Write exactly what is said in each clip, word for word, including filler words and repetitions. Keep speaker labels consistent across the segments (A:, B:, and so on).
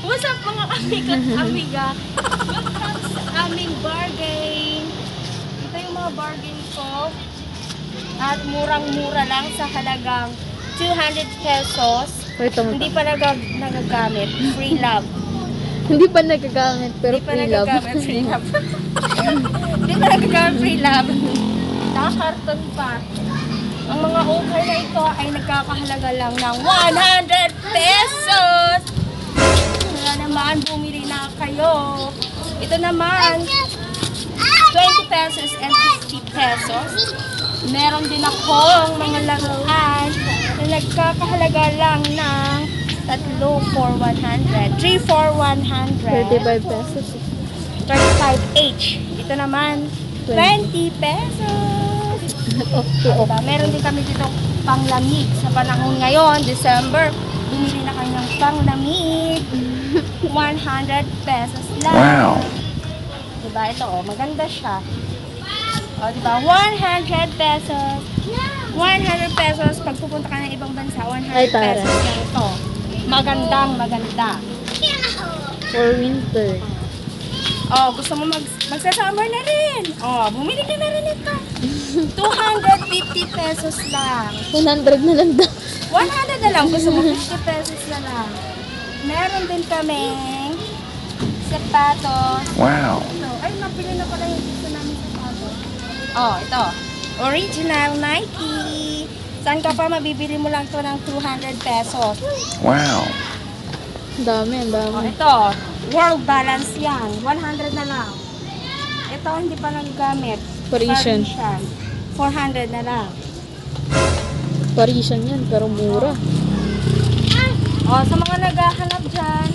A: What's up mga amiga at amiga? Welcome sa aming bargain. Ito yung mga bargain ko. At murang-mura lang sa halagang two hundred pesos.
B: Ito,
A: Hindi pa nag nagagamit. Free love.
B: Hindi pa nagagamit, pero
A: Hindi pa
B: free love.
A: nagagamit free love. Hindi pa nagagamit free love. Nakakarton pa. Ang mga offer na ito ay nagkakahalaga lang ng one hundred pesos. Kaya naman, bumili na kayo. Ito naman, twenty pesos and fifty pesos. Meron din akong mga laruan na nagkakahalaga lang ng tatlo for one hundred. three for one hundred.
B: thirty-five pesos.
A: thirty-five each. Ito naman, twenty pesos. Diba? Meron din kami dito panglamig sa panahon ngayon, December. Bumili na kayo ng panglamig. one hundred pesos lang.
C: Wow.
A: Diba? Ito, oh, maganda siya. O, diba? one hundred pesos. one hundred pesos. Pag pupunta ka ng ibang bansa, one
B: Ay,
A: hundred
B: tara.
A: pesos lang ito. Magandang maganda.
B: For winter.
A: Oh, gusto mo mag magsa-summer na rin. Oh, bumili ka na rin ito. two hundred fifty pesos lang.
B: one hundred na lang daw.
A: one hundred na lang. Gusto mo fifty pesos na lang. Meron din kaming sapatos.
C: Wow.
A: Ito. Ay, napili na pala yung gusto namin sapatos. Oh, ito. Original Nike. Saan ka pa mabibili mo lang to ng two hundred pesos?
C: Wow.
B: Ang dami, ang dami.
A: Oh, ito. World Balance yan. one hundred na lang. Ito, hindi pa nagagamit.
B: Parisian.
A: Parisian. four hundred na lang.
B: Parisian yan, pero mura.
A: O, sa mga naghahanap dyan,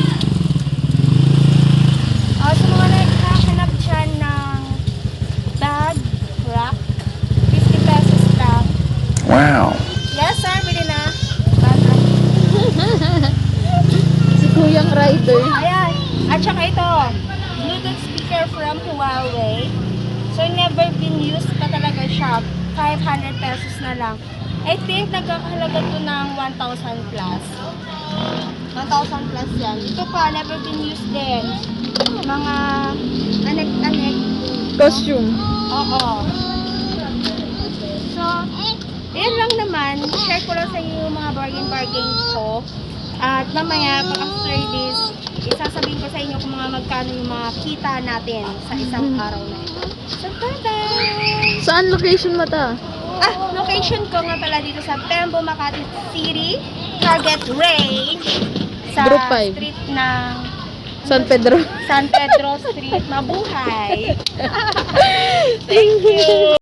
A: o, sa mga naghahanap dyan ng bag, rack, fifty pesos lang.
C: Wow.
A: Yes, sir, bili na. Bag rack.
B: Si Kuyang Rider.
A: Ayan. At saka ito, Bluetooth speaker from Huawei. So, never been used pa talaga siya. five hundred pesos na lang. I think nagkakahalaga to ng one thousand plus. one thousand plus yan. Ito pa, never been used din. Mga anek-anek.
B: Costume.
A: Oo. So, yan lang naman. Share ko lang sa inyo yung mga bargain-bargain ko. At mamaya, pag after this, isasabihin ko sa inyo kung mga magkano yung mga kita natin sa isang araw na ito. So, bye-bye!
B: Saan location mo ta?
A: Ah, location ko nga pala dito sa Tembo, Makati City, Target Range, sa
B: Group five.
A: street ng
B: San Pedro.
A: San Pedro Street, Mabuhay.